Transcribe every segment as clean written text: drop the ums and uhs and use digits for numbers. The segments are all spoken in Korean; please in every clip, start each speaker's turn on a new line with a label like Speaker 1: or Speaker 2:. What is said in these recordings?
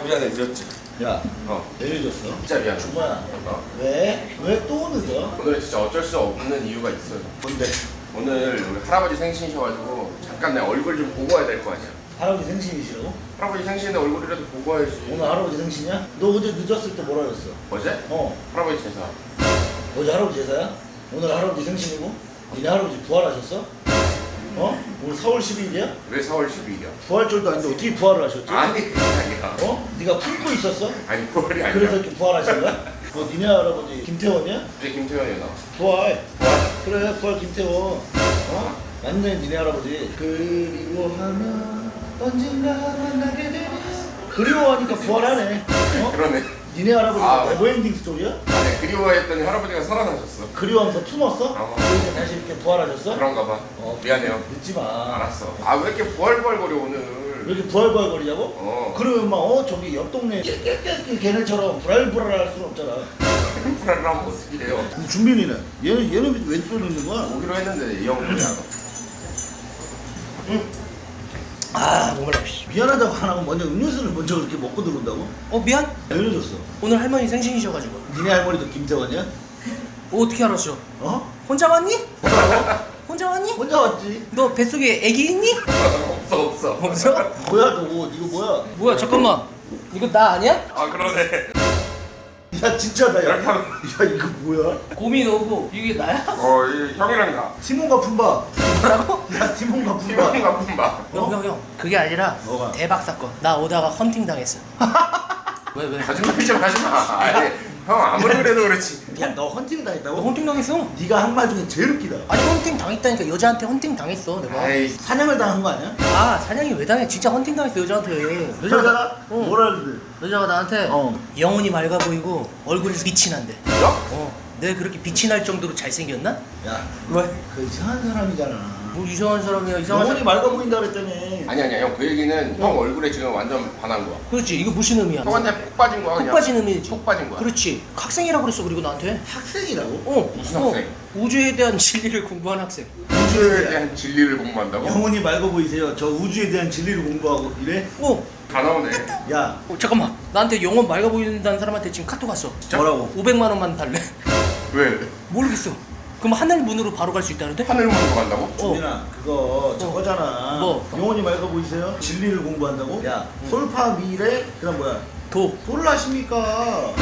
Speaker 1: 미안해 늦었지.
Speaker 2: 야, 왜 늦었어?
Speaker 1: 진짜 미안해.
Speaker 2: 주모야. 왜? 왜 또 늦어?
Speaker 1: 오늘 진짜 어쩔 수 없는 이유가 있어요.
Speaker 2: 뭔데?
Speaker 1: 오늘 우리 할아버지 생신이셔가지고 잠깐 내 얼굴 좀 보고 와야 될 거 아니야.
Speaker 2: 할아버지 생신이시라고?
Speaker 1: 할아버지 생신에 얼굴이라도 보고 와야지.
Speaker 2: 오늘 할아버지 생신이야? 너 어제 늦었을 때 뭐라 그랬어?
Speaker 1: 어제?
Speaker 2: 어.
Speaker 1: 할아버지 제사.
Speaker 2: 어제 할아버지 제사야? 오늘 할아버지 생신이고? 니네 할아버지 부활하셨어? 어? 오늘 4월 12일이야?
Speaker 1: 왜 4월 12일이야?
Speaker 2: 부활절도 아닌데 어떻게 부활을 하셨지?
Speaker 1: 아니 그게 아니야.
Speaker 2: 어? 네가 품고 있었어?
Speaker 1: 아니 그월이 아니야.
Speaker 2: 그래서 이렇게 부활하신 거야? 너 니네 할아버지 김태원이야?
Speaker 1: 이제 김태현이 나.
Speaker 2: 부활. 그래 부활 김태원. 어? 맞네 니네 할아버지. 그리워하면 언젠가 만나게 되리. 그리워하니까 부활하네. 어?
Speaker 1: 그러네.
Speaker 2: 니네 할아버지
Speaker 1: 아.
Speaker 2: 네버엔딩 스토리야?
Speaker 1: 아니 그리워했더니 할아버지가 살아나셨어.
Speaker 2: 그리워하면서 품었어?
Speaker 1: 어.
Speaker 2: 그래서 다시 이렇게 부활하셨어?
Speaker 1: 그런가 봐.
Speaker 2: 어.
Speaker 1: 미안해요.
Speaker 2: 늦지 마.
Speaker 1: 알았어. 아 왜 이렇게 부활부활거려 오늘?
Speaker 2: 왜 이렇게 부활부활거리냐고?
Speaker 1: 어.
Speaker 2: 그러면 막 저기 옆 동네 걔네처럼 불알불알할 수는 없잖아.
Speaker 1: 불알을 하면 어떻게 해요?
Speaker 2: 근데 준빈이는 얘는 왼손에 있는 거야?
Speaker 1: 오기로 했는데 이 형은 그냥.
Speaker 2: 아 정말 미안하다고 안 하고 먼저 음료수를 먼저 그렇게 먹고 들어온다고?
Speaker 3: 미안.
Speaker 2: 왜 이러셨어?
Speaker 3: 오늘 할머니 생신이셔가지고.
Speaker 2: 니네 할머니도 김태원이야?
Speaker 3: 어떻게 알았어?
Speaker 2: 어?
Speaker 3: 혼자 왔니?
Speaker 2: 뭐라고?
Speaker 3: 혼자 왔니?
Speaker 2: 혼자 왔지.
Speaker 3: 너 뱃속에 애기 있니?
Speaker 1: 없어.
Speaker 3: 없어?
Speaker 2: 뭐야 너 이거 뭐야?
Speaker 3: 뭐야 잠깐만. 이거 나 아니야?
Speaker 1: 아 그러네.
Speaker 2: 야 진짜다 야.
Speaker 1: 이렇게 하면-
Speaker 2: 야 이거 뭐야?
Speaker 3: 고민 오고 이게 나야?
Speaker 1: 이 형이랑 나.
Speaker 2: 티몬과 품바.
Speaker 3: 뭐라고?
Speaker 2: 야 티몬과 품바.
Speaker 1: 팀원이 나쁜 봐.
Speaker 3: 형. 그게 아니라
Speaker 2: 뭐가?
Speaker 3: 대박 사건. 나 오다가 헌팅 당했어. 왜?
Speaker 1: 거짓말 좀 하지 마. 아니, 형 아무리 그래도 그렇지.
Speaker 2: 야너 헌팅
Speaker 3: 너
Speaker 2: 당했다고?
Speaker 3: 헌팅 당했어?
Speaker 2: 네가 한 말 중에 제일 웃기다.
Speaker 3: 아니 헌팅 당했다니까 여자한테 헌팅 당했어 내가.
Speaker 1: 아이,
Speaker 2: 사냥을 당한 거 아니야?
Speaker 3: 아 사냥이 왜 당해? 진짜 헌팅 당했어 여자한테.
Speaker 2: 여자가
Speaker 3: 어.
Speaker 2: 뭐라 그러는데?
Speaker 3: 여자가 나한테
Speaker 2: 어.
Speaker 3: 영혼이 맑아 보이고 얼굴이 빛이 난대.
Speaker 1: 야?
Speaker 3: 내가 그렇게 빛이 날 정도로 잘생겼나?
Speaker 2: 야,
Speaker 3: 왜?
Speaker 2: 그 이상한 사람이잖아.
Speaker 3: 뭐 이상한 사람이야 이상한
Speaker 2: 영혼이
Speaker 3: 사람.
Speaker 2: 맑아 보인다 그랬더니.
Speaker 1: 아니, 형 그 얘기는 형 얼굴에 지금 완전 반한 거야.
Speaker 3: 그렇지 이거 무슨 의미야?
Speaker 1: 형한테 폭 빠진 거야,
Speaker 3: 푹
Speaker 1: 그냥.
Speaker 3: 빠진 의미지.
Speaker 1: 폭 빠진 거야.
Speaker 3: 그렇지 학생이라고 그랬어 그리고 나한테.
Speaker 2: 학생이라고?
Speaker 1: 무슨 학생?
Speaker 3: 우주에 대한 진리를 공부한 학생.
Speaker 1: 우주에 대한 진리를 공부한다고?
Speaker 2: 영혼이 맑아 보이세요. 저 우주에 대한 진리를 공부하고 이래?
Speaker 1: 다 나오네.
Speaker 2: 야,
Speaker 3: 잠깐만 나한테 영혼 맑아 보인다는 사람한테 지금 카톡 왔어.
Speaker 2: 뭐라고?
Speaker 3: 500만 원만 달래.
Speaker 1: 왜?
Speaker 3: 모르겠어. 그럼 하늘 문으로 바로 갈 수 있다는데?
Speaker 1: 하늘문으로 간다고?
Speaker 2: 준빈아, 그거 저거잖아.
Speaker 3: 뭐?
Speaker 2: 영혼이 맑아 보이세요? 진리를 공부한다고? 야, 솔파 미래 그다음 뭐야?
Speaker 3: 도.
Speaker 2: 도를 아십니까?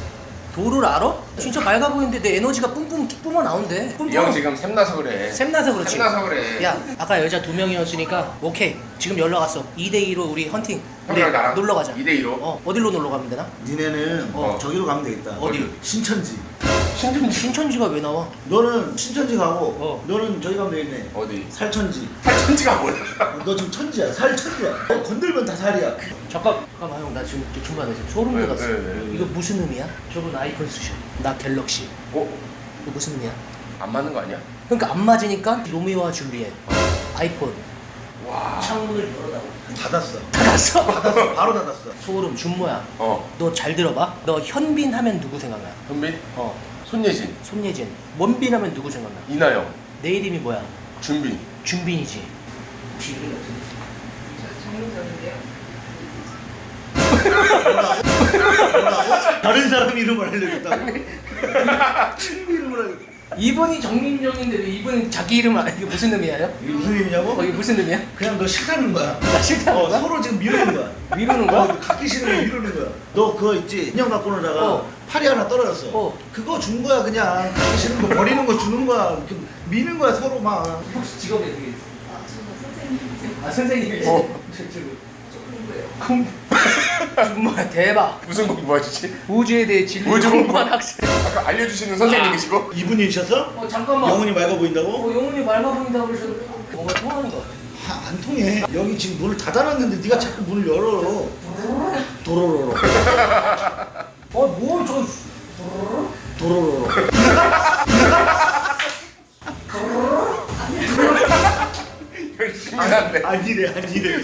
Speaker 3: 도를 알아? 진짜 맑아 보이는데 내 에너지가 뿜뿜 뿜어 나온대.
Speaker 1: 이 형 지금 샘나서 그래.
Speaker 3: 샘나서 그렇지.
Speaker 1: 샘나서 그래.
Speaker 3: 야 아까 여자 2명이었으니까 오케이 지금 연락 왔어. 2대2로 우리 헌팅. 우리
Speaker 1: 형이랑 나랑
Speaker 3: 놀러 가자.
Speaker 1: 2대2로?
Speaker 3: 어디로 놀러 가면 되나?
Speaker 2: 니네는 저기로 가면 되겠다.
Speaker 3: 어디?
Speaker 2: 신천지.
Speaker 3: 신천지가 왜 나와?
Speaker 2: 너는 신천지 가고
Speaker 3: 너는
Speaker 2: 너는 저기 가면 되겠네.
Speaker 1: 어디?
Speaker 2: 살천지.
Speaker 1: 팔천지가 뭐야?
Speaker 2: 너 지금 천지야. 살천지야. 너 건들면 다 살이야.
Speaker 3: 잠깐만 형 나 지금 중간에 지금 소름
Speaker 1: 왜,
Speaker 3: 돋았어.
Speaker 1: 왜?
Speaker 3: 이거 무슨 의미야? 저분 아이폰 쓰셔. 나 갤럭시.
Speaker 1: 어?
Speaker 3: 이거 무슨 의미야?
Speaker 1: 안 맞는 거 아니야?
Speaker 3: 그러니까 안 맞으니까 로미오와 줄리엣. 아이폰.
Speaker 1: 와.
Speaker 3: 창문을 열어다오.
Speaker 2: 닫았어.
Speaker 3: 닫았어?
Speaker 2: 바로 닫았어.
Speaker 3: 소름 준모야.
Speaker 1: 어.
Speaker 3: 너 잘 들어봐. 너 현빈 하면 누구 생각나?
Speaker 1: 현빈?
Speaker 3: 어.
Speaker 1: 손예진.
Speaker 3: 손예진. 원빈 하면 누구 생각나?
Speaker 1: 이나영.
Speaker 3: 내 이름이 뭐야?
Speaker 1: 준빈.
Speaker 3: 준빈이지.
Speaker 2: 다른 사람 이름을 알려줬다고. 친구 이름을 알려.
Speaker 3: 이분이 정민정인데 왜 이분은 자기 이름 안 이게 무슨 의미예요?
Speaker 2: 이게 무슨 의미냐고?
Speaker 3: 이게 무슨 의미야?
Speaker 2: 그냥 너 싫다는 거야.
Speaker 3: 나 싫다는 거야?
Speaker 2: 서로 지금 미루는 거야.
Speaker 3: 미루는 거야?
Speaker 2: 갖기 싫은 거 미루는 거야. 너 그거 있지? 인형 갖고 놀다가
Speaker 3: 어.
Speaker 2: 팔이 하나 떨어졌어.
Speaker 3: 어.
Speaker 2: 그거 준 거야 그냥. 갖기 싫은 거 버리는 거 주는 거야. 이렇게 미는 거야 서로 막.
Speaker 3: 혹시 직업이 어떻게 되세요? 아 선생님이세요?
Speaker 1: 어.
Speaker 3: 정말 대박.
Speaker 1: 무슨 공부하시지?
Speaker 3: 우주에 대해 진리
Speaker 1: 우주
Speaker 3: 공부한
Speaker 1: 공부.
Speaker 3: 학생.
Speaker 1: 아까 알려주시는 선생님이시고?
Speaker 2: 이분이셔서
Speaker 3: 잠깐만.
Speaker 2: 영혼이 맑아 보인다고?
Speaker 3: 영혼이 맑아 보인다고 그러셨는데 뭔가 통하는 거 같아.
Speaker 2: 안 통해. 여기 지금 문을 닫아놨는데 네가 자꾸 문을 열어. 도로로로.
Speaker 3: 뭘
Speaker 2: 도로로로.
Speaker 1: 열심히 한데.
Speaker 2: 아니래.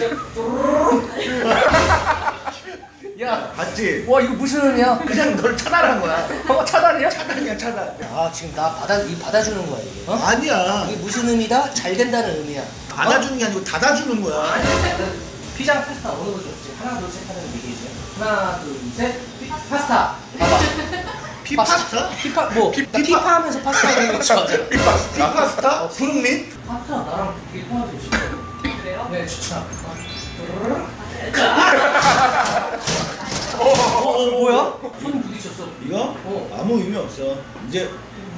Speaker 3: 야,
Speaker 2: 봤지?
Speaker 3: 와 이거 무슨 의미야?
Speaker 2: 그냥 널 차단한 거야.
Speaker 3: 차단이야?
Speaker 2: 차단이야 차단.
Speaker 3: 아 지금 나 받아주는 거야 이게. 어?
Speaker 2: 아니야.
Speaker 3: 이게 무슨 의미다? 잘 된다는 의미야.
Speaker 2: 받아주는 게 아니고 닫아주는 거야.
Speaker 3: 피자랑 파스타 어느 거 좋지? 하나 둘 셋 하면 얘기해주세요. 하나 둘 셋. 파스타. 봐봐.
Speaker 2: 피파스타?
Speaker 3: 피파 하면서 파스타 하는 거 좋아하잖아.
Speaker 2: 피파스타? 푸른민?
Speaker 3: 파스타 나랑 되게 통하지 진짜. 그래요? 네 진짜. 뭐야? 손 부딪혔어.
Speaker 2: 이거? 아무 의미 없어. 이제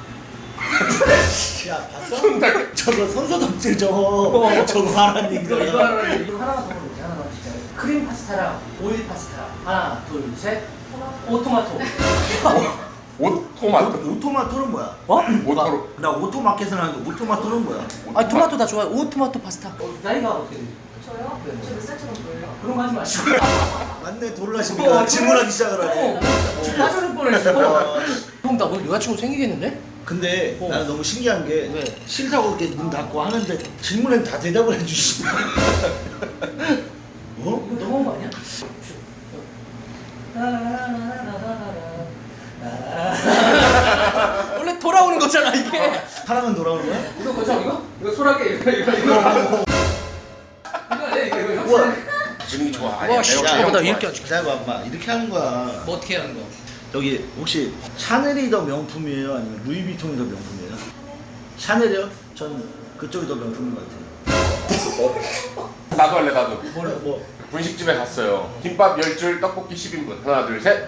Speaker 2: 야 봤어? 저거 선서덕질 저거 하라는 얘기잖아.
Speaker 3: 이거 하나만 더 물어보자. 하나만 진짜. 크림 파스타랑 오일 파스타. 하나 둘 셋. 오토마토.
Speaker 1: 오토마토.
Speaker 2: 오토마토는 뭐야?
Speaker 3: 어?
Speaker 1: 오토로.
Speaker 2: 나 오토마켓은 하는데 오토마토는 뭐야?
Speaker 3: 아 토마토 나 좋아해. 오토마토 파스타. 나이가 어떻게 돼?
Speaker 4: 저요?
Speaker 3: 네.
Speaker 4: 저 몇 살처럼 보여요?
Speaker 3: 그런 거 하지 마시고.
Speaker 2: 맞네 돌라십니까? 질문하기 시작을 하네.
Speaker 3: 지금 빠져날 뻔했어. 형, 나 오늘 여자친구 생기겠는데?
Speaker 2: 근데 나는 너무 신기한 게
Speaker 3: 왜?
Speaker 2: 싫다고 이렇게 문 닫고 하는데 질문엔 다 대답을 해주시네. 어?
Speaker 3: 이거 너무한 거 아니야? 원래 돌아오는 거잖아 이게.
Speaker 2: 사랑은 돌아오는 거야?
Speaker 3: 이거 거죠 이거? 이거 소라게 이거 아니야 이거
Speaker 2: 우와.
Speaker 1: 분위기 좋아.
Speaker 3: 와,
Speaker 1: 아니야,
Speaker 3: 씨,
Speaker 1: 내가
Speaker 3: 야,
Speaker 1: 형
Speaker 3: 나
Speaker 1: 좋아해.
Speaker 3: 이렇게 하지.
Speaker 2: 기다려봐 엄마 이렇게 하는 거야.
Speaker 3: 뭐 어떻게 하는 거야?
Speaker 2: 여기 혹시 샤넬이 더 명품이에요? 아니면 루이비통이 더 명품이에요? 샤넬이요? 전 그쪽이 더 명품인 것 같아요.
Speaker 1: 나도 할래 나도.
Speaker 2: 뭐
Speaker 1: 분식집에 갔어요. 김밥 10줄, 떡볶이 10인분. 하나 둘 셋.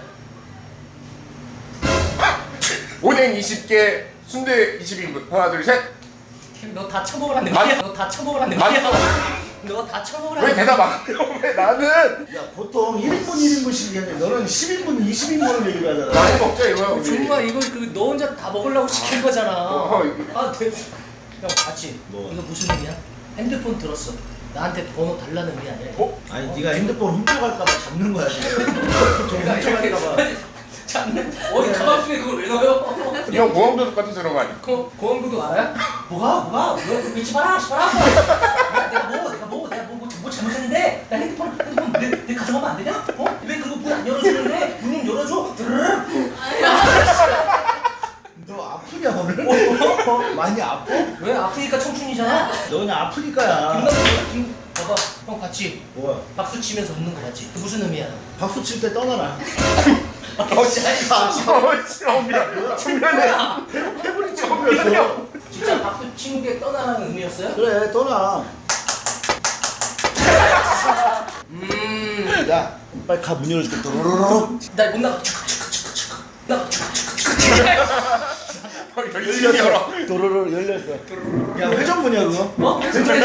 Speaker 1: 오뎅 20개, 순대 20인분. 하나 둘 셋.
Speaker 3: 너 다 처먹으란 냄새야. 너 다 처먹으란 냄새야. 너 다 처먹으란
Speaker 1: 왜 대답 안 해요? 왜 나는?
Speaker 2: 야 보통 1인분 1인분씩 얘기하는데 너는 10인분 20인분을 얘기를 하잖아.
Speaker 1: 많이 먹자 이거야 우리.
Speaker 3: 정말 이거 너 혼자 다 먹으려고 시킨 거잖아.
Speaker 1: 이거.
Speaker 3: 아 됐어. 형 같이.
Speaker 2: 뭐?
Speaker 3: 이거 무슨 일이야? 핸드폰 들었어. 나한테 번호 달라는 게 아니야.
Speaker 1: 어?
Speaker 2: 아니 네가 핸드폰 훔쳐갈까봐 잡는 거야 지금. 좀 훔쳐갈까봐.
Speaker 3: 잡는? 어디 가방 속에 그걸 왜 넣어요?
Speaker 1: 형 보험도둑 같은 그런 거 아니야?
Speaker 3: 고원구도 알아요? 뭐가? 왜 믿지 마라, 내가 뭐 잘못했는데? 나 핸드폰 내 가져가면 안 되냐? 어? 왜 그거 문 안 열어주는데? 문 열어줘.
Speaker 2: 너 아프냐 오늘? 많이 아파?
Speaker 3: 왜 아프니까 청춘이잖아.
Speaker 2: 너 그냥 아프니까야.
Speaker 3: 봐봐, 형 같이
Speaker 2: 뭐야?
Speaker 3: 박수 치면서 웃는 거 같지? 그 무슨 의미야?
Speaker 2: 박수 칠 때 떠나라.
Speaker 1: 처음이야. 중간에.
Speaker 2: 해버린 처음이었어.
Speaker 3: 진짜 박수 치는 게 떠나라는 의미였어요?
Speaker 2: 그래 떠나. 야 빨리 가 문 열어줄게. 도로로로.
Speaker 3: 나 못 나가.
Speaker 1: 열심히 열어.
Speaker 2: 도로로 열렸어. 야 회전문이야 그거?
Speaker 3: 어?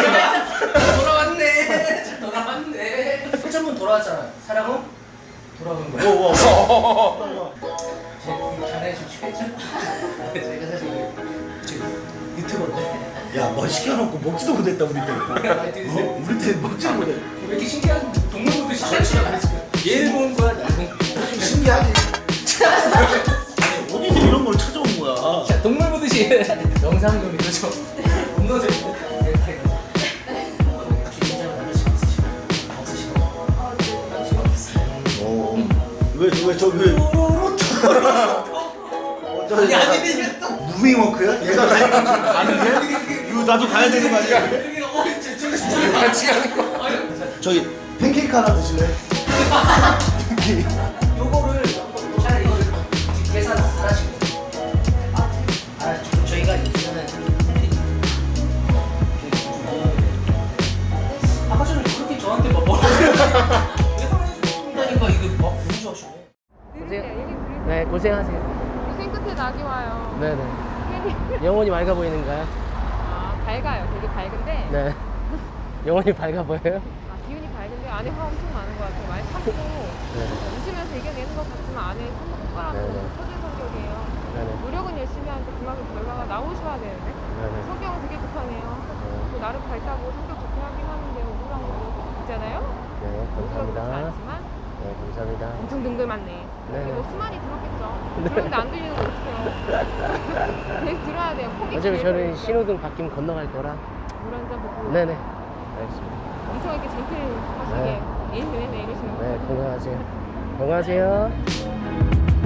Speaker 3: 돌아왔네. 회전문 돌아왔잖아. 사랑은 돌아오는 거야.
Speaker 2: 뭐.
Speaker 3: 잘해주시죠. 제가 사실 지금 유튜버인데.
Speaker 2: 야 뭐 시켜놓고 먹지도 못했다 우리 때. 우리 때 먹지도 못해.
Speaker 3: 왜 이렇게 신기한 동물 보듯이 잘치나 얘를 보는 거야 나는.
Speaker 2: 신기하지. 아니 어디서 이런 걸 찾아온 거야?
Speaker 3: 자, 동물 보듯이 영상 좀 읽어줘. 겁나 재밌는데.
Speaker 2: 왜 저기
Speaker 3: 아니 아니 또
Speaker 2: 무빙워크야? 얘가 가는 게? 이거 나도 가야 되는 거 아니야?
Speaker 1: 같이 가는 거.
Speaker 2: 저기 팬케이크 하나 드실래?
Speaker 3: 요거를 차라리 이거를 지금 계산 안 하시고 저희가 요즘에는 아까 전에 그렇게 저한테 막 뭐라고 계산해 준다니까 이거 막 너무 좋아하시네. 네 고생하세요.
Speaker 4: 고생 끝에 낙이 와요.
Speaker 3: 네네. 영혼이 맑아 보이는가요?
Speaker 4: 아, 밝아요. 되게 밝은데.
Speaker 3: 네. 영혼이 밝아 보여요?
Speaker 4: 아, 기운이 밝은데 안에 화 엄청 많은 것 같아요. 많이 참고 웃으면서 이겨내는 것 같지만 안에 참고 폭발하는
Speaker 3: 네네.
Speaker 4: 터진 성격이에요.
Speaker 3: 네네.
Speaker 4: 노력은 열심히 하는데 그만큼 결과가 나오셔야 되는데
Speaker 3: 네네.
Speaker 4: 성격은 되게 급하네요. 또 나름 밝다고 성격 좋게 하긴 하는데 우울한 거 있잖아요.
Speaker 3: 네,
Speaker 4: 우울하지
Speaker 3: 감사합니다.
Speaker 4: 않지만
Speaker 3: 네, 감사합니다.
Speaker 4: 엄청 능글 많네.
Speaker 3: 네네.
Speaker 4: 그리고 수많이 들었겠죠. 들었는데 안 들리는 거 어떡해요. 계속 들어야 돼요. 포기.
Speaker 3: 어차피 저는 신호등 바뀌면 건너갈 거라.
Speaker 4: 물 한잔 먹고.
Speaker 3: 네네. 알겠습니다.
Speaker 4: 엄청 이렇게 젠틀하시게
Speaker 3: 네.
Speaker 4: 네네네 이러시는 거.
Speaker 3: 네, 건강하세요. 건강하세요.